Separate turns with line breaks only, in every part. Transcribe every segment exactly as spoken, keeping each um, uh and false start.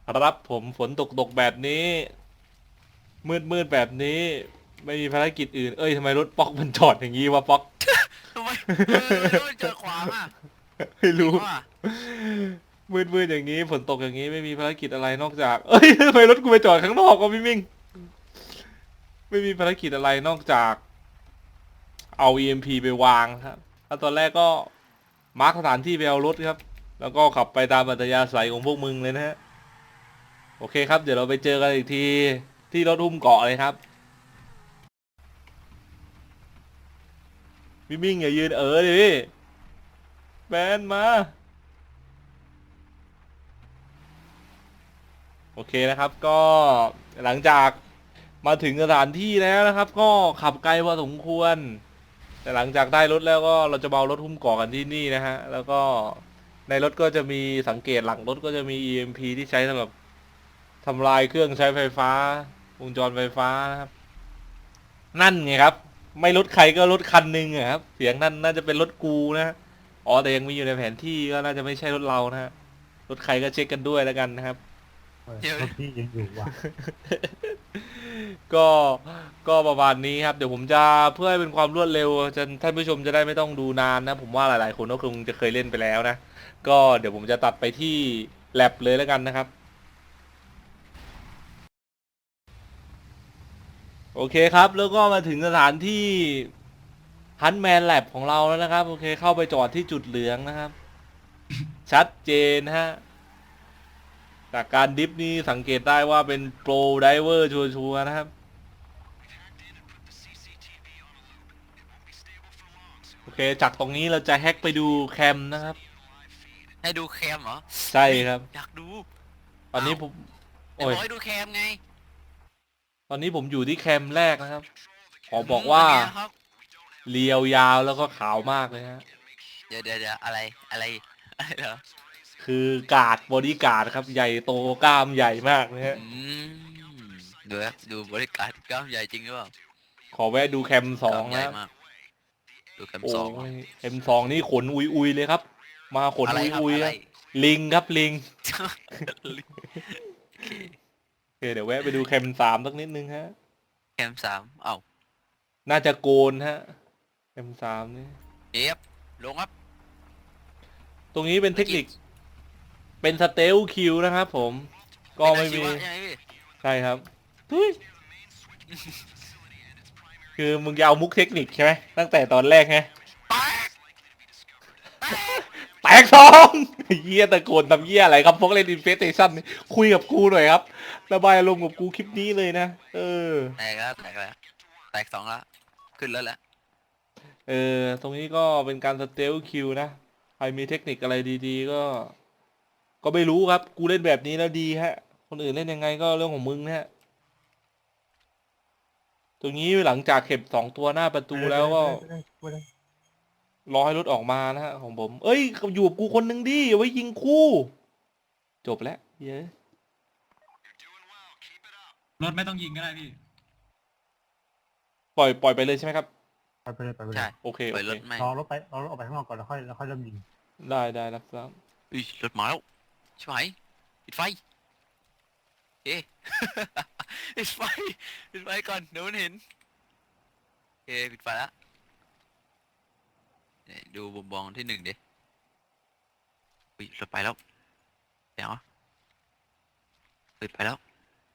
รับผมฝนตกตกแบบนี้มืดมืดแบบนี้ไม่มีภารกิจอื่นเอ้ยทำไมรถป๊อกมันจอดอย่างนี้วะป๊อก
ทำไมเออทำไมรถมันจอดขวางอ่ะ
ไม่
จริง
รู้
ว่ะ
มืดมืดอย่างนี้ฝนตกอย่างนี้ไม่มีภารกิจอะไรนอกจากเอ้ยทำไมรถกูไปจอดข้างนอกก็พี่มิ่งไม่มีภารกิจอะไรนอกจากเอา อี เอ็ม พี ไปวางครับแล้วตอนแรกก็มาร์คสถานที่ไปเอารถครับแล้วก็ขับไปตามอัธยาศัยของพวกมึงเลยนะฮะโอเคครับเดี๋ยวเราไปเจอกันอีกทีที่รถหุ้มเกาะเลยครับพี่มิ่งอย่ายืนเออดิพี่แบนมาโอเคนะครับก็หลังจากมาถึงสถานที่แล้วนะครับก็ขับไกลพอสมควรแต่หลังจากได้รถแล้วก็เราจะเบารถหุ้มเกาะกันที่นี่นะฮะแล้วก็ในรถก็จะมีสังเกตหลังรถก็จะมี อี เอ็ม พี ที่ใช้สำหรับทำลายเครื่องใช้ไฟฟ้าวงจรไฟฟ้านะครับนั่นไงครับไม่รถใครก็รถคันหนึ่งอะครับเสียงนั่นน่าจะเป็นรถกูนะอ๋อแต่ยังมีอยู่ในแผนที่ก็น่าจะไม่ใช่รถเรานะฮะรถใครก็เช็คกันด้วยแล้วกันนะครับ
เออ
เดี๋ยว
รถพี่ยังอยู่ว่ะ
ก็ก็ประมาณนี้ครับเดี๋ยวผมจะเพื่อให้เป็นความรวดเร็วจะท่านผู้ชมจะได้ไม่ต้องดูนานนะผมว่าหลายๆคนก็คงจะเคยเล่นไปแล้วนะก็เดี๋ยวผมจะตัดไปที่แลบเลยแล้วกันนะครับโอเคครับแล้วก็มาถึงสถานที่ฮันแมนแลบของเราแล้วนะครับโอเคเข้าไปจอดที่จุดเหลืองนะครับชัดเจนฮะจากการดิฟนี่สังเกตได้ว่าเป็นโปรไดเวอร์ชัวร์ๆนะครับโอเคจากตรงนี้เราจะแฮ็กไปดูแคมนะครับ
ให้ดูแคมเหรอ
ใช่
เฮ้ย
ครับ
อยากดู
ตอนนี้
อ้าว
ผม
ไหน
โอ้ย
บอกให้ดูแคมไง
ตอนนี้ผมอยู่ที่แคมป์แรกนะครับขอ
อื
บอกว่า
มเป็นไงครับ
เรียวยาวแล้วก็ขาวมากเลยฮะ
เดี๋ยวเดี๋ยวเดี๋ยวอะไรอะไรอะไรเหรอ
คือการ์ดบอดี้การ์ดครับใหญ่โตกล้ามใหญ่มากนะฮะ
อืมดูนะดูบริการกล้ามใหญ่จริงหรือเปล่า
ขอแวะดูแคมป์ส
กล้ามใหญ่
องนะ
มากดูแคม
โอ้
สองเหรอ
ยแคมป์สองนี่ขนอุยอุยเลยครับมาขน
อะไร
อุยอุย
ครับอะไร
ครับลิงครับลิง
โอเค
โอเคเดี๋ยวแวะไปดูแคมป์สามสักนิดนึงฮะ
แคมสามเอ้า
น่าจะโกนฮะแคมป์สามนี่
เอฟลงครับ
ตรงนี้เป็นเทคนิคเป็นสเตลคิวนะครับผมก็
เป็นอา
ไม่มี
ชีวะใช่ไหมพี่
ใช่ครับทุย คือมึงจะเอามุกเทคนิคใช่ไหมตั้งแต่ตอนแรกไง
แตกแตก
แตกสองเยี่ยตะโกนทำเยี่ยอะไรครับพวกเล่นอินเฟสเตชันคุยกับกูหน่อยครับระบายอารมณ์กับกูคลิปนี้เลยนะเออ
แตกแล้วแตกแล้วแตกสองแล้วขึ้นแล้วแหละ
เออตรงนี้ก็เป็นการสเตลคิวนะใครมีเทคนิคอะไรดีๆก็ก็ไม่รู้ครับกูเล่นแบบนี้แล้วดีฮะคนอื่นเล่นยังไงก็เรื่องของมึงนะฮะตรงนี้หลังจากเก็บสองตัวหน้าประตูแล้วก็รอให้รถออกมานะฮะของผมเอ้ยอยู่กับกูคนหนึ่งดิเอาไว้ยิงคู่จบแล้วเย้
รถไม่ต้องยิงก็ได้พี่
ปล่อยปล่อยไปเลยใช่ไหมครับ
ไปไปเลยไปไปเล
ใช่
ย
โอเค
ปล่อย
โอเค
รถไม่
รอรถไปรอรถออกไปข้างนอกก่อนแล้วค่อยแล้วค่อยเริ่มยิง
ได้ได้รับทราบ
อุ้ยรถมาแล้วใช่ไหมปิดไฟเอ๊ะ ปิดไฟปิดไฟก่อนเดี๋ยวมันเห็นเอ๊ะปิดไฟแล้วเนี่ยดูบุมบองที่หนึ่งดิอุ้ยรถไปแล้วเดี๋ยวปิดไปแล้ว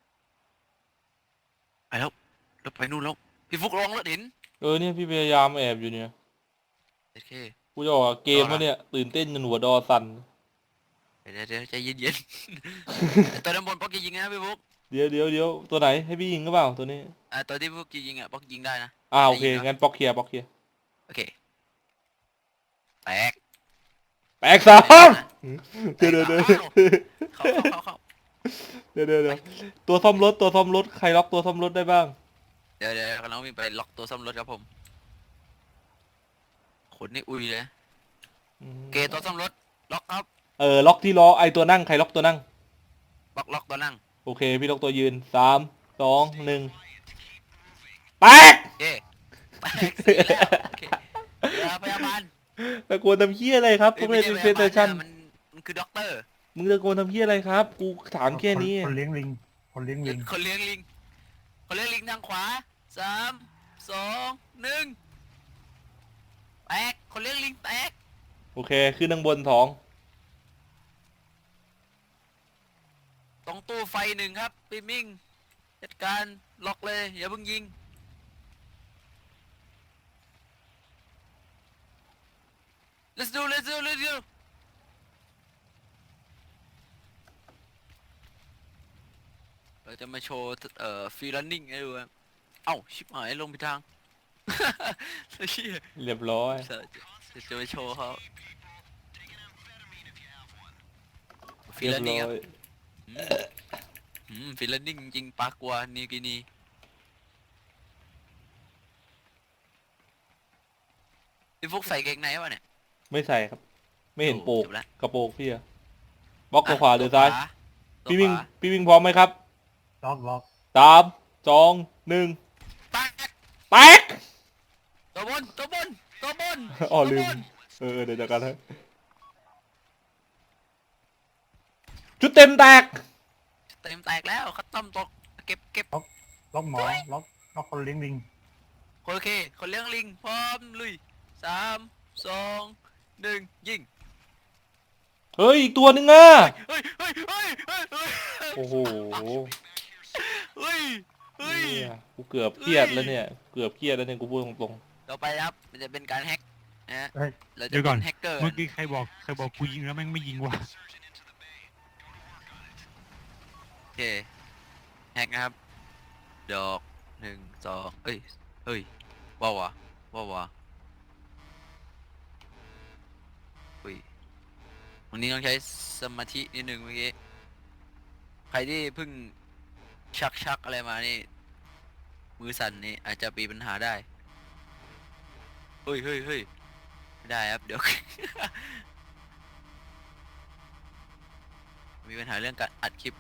ไปแล้วรถไปนู่นแล้วพี่ฟุกลองรถเห็น
เออเนี่ยพี่พยายามแอบอยู่เนี่ย
โอเค
กูจะออกเกมวะเนี่ยตื่นเต้นจนหัวดอสั่น
เดี๋ยวเดี๋ยวใจเย็นๆ ตัวด้านบนป๊อกจะยิงนะพี่ฟุก
เดี๋ยวเดี๋ยวเดี๋ยวตัวไหนให้พี่ยิงก็เปล่าตัวนี้
อ่าตัวที่ฟุกจะยิงอ่ะป๊อกยิงได้นะ
อ่าโอเค
ได้ยิงเหรอ
งั้นป๊อกเคลียร์ป๊อกเคลียร์
โอเคแตก
แตกสอง
แต
เดี๋ยว
ก
เดี๋ยวเดี๋ยว
เข้าเข้าเข้าเข้า
เดี๋ยวเดี๋ยวเดี๋ยวตัวซ่อมรถตัวซ่อมรถใครล็อกตัวซ่อมรถได้บ้าง
เดี๋ยวเดี๋ยวกำลังวิ่งไปล็อกตัวซ่อมรถครับผมขนนี่อุ้ยเลยเกตตัวซ่อมรถล็อกครับ
เออล็อกที่ล้อไอตัวนั่งใครล็อกตัวนั่ง
ล็อกล็อกตัวนั่ง
โอเคพี่ล็อกตัวยืนสามสองหนึ่งแตก
เย่แตกสีแล้วโอเคเดี๋ยวพยาบาล
ตะโกนทำเหี้ยอะไรครับพวกเล่นอินเฟสเตชัน
มันมันคือด็อกเตอร์
มึงตะโกนทำเพี้ยอะไรครับ กูถามแค่นี้
คนเลี้ยงลิง คนเลี้ยงลิง
คนเลี้ยงลิงคนเลี้ยงลิงทางขวาสามสองหนึ่งแตกคนเลี้ยงลิงแตก
โอเค ขึ้นข้างบนสอง
ตรงตู้ไฟหนึ่งครับปิมิงจัดการล็อกเลยอย่าเพิ่งยิง let's do let's do let's do เราจะมาโชว์เอ่อฟรีลันนิ่งให้ดูครับเอ้าชิบหายลงไปทาง เชี่ย
เรียบร้อย
จะจะจะไปโชว์เขาฟรี
เรีย
ลั
บ
นนิ่ง
ร้
ค
อ
รับ
ย
อืมอืมฟรีลันนิ่งจริงปากกว่านิวกินีพี่ฟุกใส่เกงในวะเนี่ย
ไม่ใส่ครับ ไม่เห็นโปก
จบละ
กระโปรงพี่อะบล็อกตัวขวาหรือซ้าย
ตัว
พี่
ข
วิ่ง
วา
พี่วิ่งพร้อมไหมครับ
ล็อกล็อก
สาม สอง หนึ่ง
แตก
แตก
ตัวบนตัวบนตัวบน
อ๋อ
ตัว
ลื
บ
ม
น
เออ เดี๋ยวจัดการให้ชุดเต็มแตก
เต็มแตกแล้วคัตตอมตกเก็บเก็บ
ล็อกหมอ ล็อก ล็อกคนเลี้ยงลิง
โอเค คนเลี้ยงลิงพร้อมลุยสามสองหนึ่งยิง
เฮ้ย อีกตัวหนึงอ่ะ
เฮ้ยเฮ้ยเฮ้ยเฮ้ยเฮ้ย
โอ้โห
เฮ้ยเฮ้ย
เนี่ยกูเกือบเครียดแล้วเนี่ย เกือบเครียดแล้วเนี่ยกูพูดตรง
ต่อไปครับมันจะเป็นการแฮ็กนะฮะ
เฮ้ย
เราจะ
เดี๋ยวก่
เป็
อน
นแฮกเกอร์
เมื่อกี้ใครบอก ใครบอกกูยิงแล้วแม่งไม่ยิงวะ
โอเคแฮกนะครับดอกหนึ่งสองเอ้ยเฮ้ยว้าววะว้าววะอุ้ยวันนี้ต้องใช้สมาธินิดนึงเมื่อกี้ใครที่เพิ่งชักชักอะไรมานี่มือสั่นนี่อาจจะมีปัญหาได้เฮ้ยเฮ้ยเฮ้ยไม่ได้ครับเดี๋ยว มีปัญหาเรื่องการอัดคลิป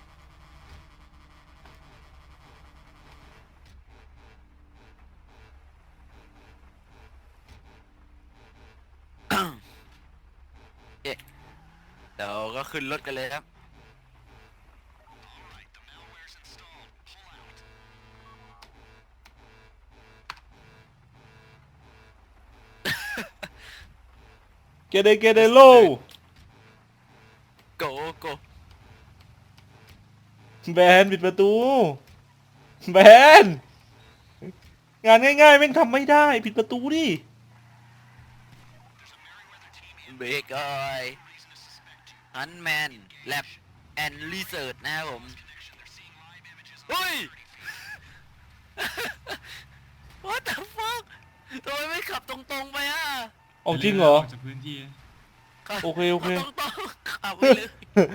เอ๊ะเดี๋ยวก็ขึ้นรถกันเลยครับ
ๆ เกเดเกเดโล
โกโก
แบนปิดประตู แบน งานง่ายๆแม่งทำไม่ได้ ปิดประตูดิ
เบรกเอ้ยฮันแมนแลบแอนด์รีเสิร์ชนะครับผมเฮ้ย What the fuck ทำไมไม่ขับตรงๆไปอ่ะ
เอาจริงเหรอ
กจากพื้นที่
ขับ
โอเคโอเค
ขับตรงๆขับไปเลย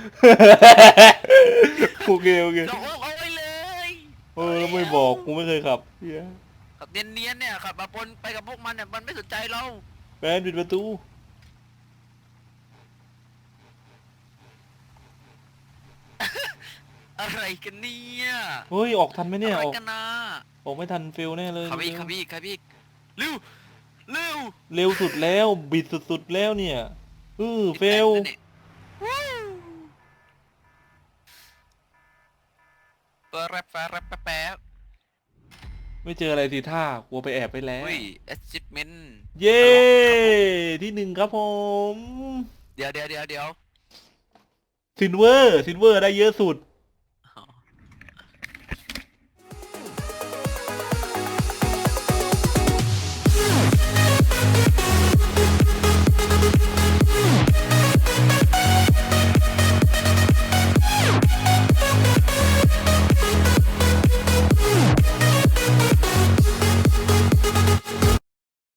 โอเคโอเค
เราเอาไปเลย
เออแล้วไม่บอกกูไม่เคยขับเหี้ย
ขับเนียนๆเนี่ยขับมาปนไปกับพวกมันเนี่ยมันไม่สนใจเรา
แบนปิดประตู
อะไรกันเนี่ย
เฮ้ย ออกทันไหมเนี่ย
อะไร
ออก
กันนะ
ออกไม่ทันฟิลแน่เลย
ขับอีกขับอีกขับอีกเร็วเร็ว
เร็วสุดแล้ว บิดสุดๆแล้วเนี่ยเออเฟล
เปิดแรปแฟร์แรปแป๊บแป๊บ
ไม่เจออะไรทีท่ากลัวไปแอบไปแล้ว
อุ้ย achievement
เย้ที่หนึ่งครับผม
เดี๋ยวเดี๋ยวเดี๋ยวเดี๋ยว
ซินเวอร์ซินเวอร์ได้เยอะสุด